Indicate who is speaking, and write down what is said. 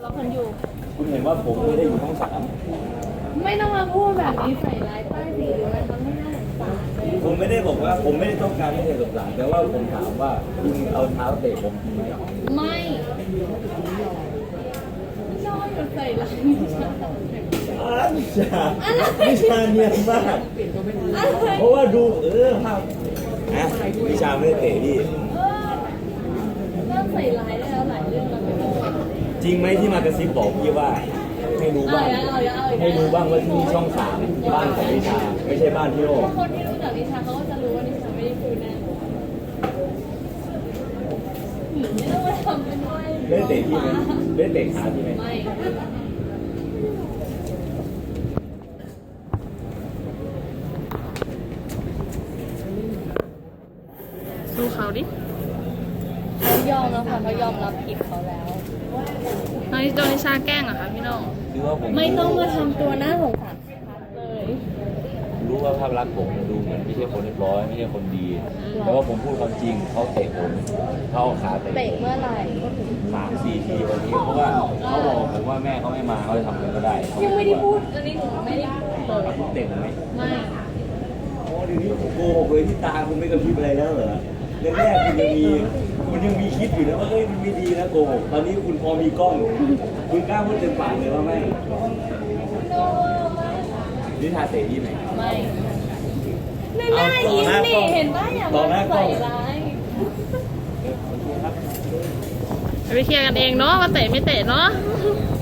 Speaker 1: เราคนอยู่
Speaker 2: คุณเห็นว่าผมไม่ได้อยู่ช่องสาม
Speaker 1: ไม่ต้องมาพูดแบบนี้ใส่ร้ายป้ายสีหรืออะไรเขาไม่น่าสงสารเลย
Speaker 2: ผมไม่ได้บอกว่าผมไม่ได้ต้องการให้เธอสงสารแต่ว่าผมถามว่าคุณเอาเท้าเตะผมทำไม
Speaker 1: ไม่ชอบแบบใส่ร้ายนิชา
Speaker 2: นิชาเนียนมากเพราะว่าดูภาพนะนิชาไม่ได้เตะพี่
Speaker 1: เริ่มใส่ร้ายได้แล้วหลายเรื่องแล้วไม่รู้
Speaker 2: จริงไหมที่มากระซิบบอกพี่ว่าให้รู้บ้างให้รู้บ้างว่าที่นี่ช่องสามบ้านของนิชาไม่ใช่บ้านพี่โอ
Speaker 1: คนที่รู้จักนิชาเขาก็จะรู้ว่านิชาไม่ได้พูดแน่ไม่ต้องมาทำเป็นว่า
Speaker 2: ได้เตะพี่ไหมได้เตะขาพี่ไหม
Speaker 1: ไม่ดูเขาดิเขายอมแล้วค่ะเขายอมรับผิดเขาแล้วน้องโดนิชาแกล้งเหรอคะพี่น้อง
Speaker 2: หรือว่าผม
Speaker 1: ไม่ต้องมาทำตัวหน้าสงสารเลย
Speaker 2: รู้ว่าภาพลักษณ์ผมดูเหมือนไม่ใช่คนเรียบร้อยไม่ใช่คนดี แต่ว่าผมพูดความจริงเขาเตะผมเขาเอาขาเตะ
Speaker 1: เตะเมื่อไหร่
Speaker 2: 3-4 ทีวันนี้เพราะว่าเขาบอกผมว่าแม่เขาไม่มาเขาจะทำอะไรก็ได้
Speaker 1: ยังไม่ได้พูดอันนี้หนูไม่ได้พูดเลย
Speaker 2: คุณเตะผมไหม
Speaker 1: ไม่
Speaker 2: โอ้เดี๋ยวนี้ผมโกหกเลยที่ตาคุณไม่กระพริบอะไรแล้วเหรอแรกๆคุณยังมีคิดอยู่นะว่าเฮ้ยมันไม่ดีนะโกหกตอนนี้คุณพอมีกล้อง คุณกล้าพูดเต็มปากเลยว่าไม่นิทาเตะที่ไหน
Speaker 1: ไม่ไม่น่ายิ้มนี่เห็นป่ะอย่ามาใส่ร้ายไปเคลียร์กันเองเนาะว่าเตะไม่เตะเนาะ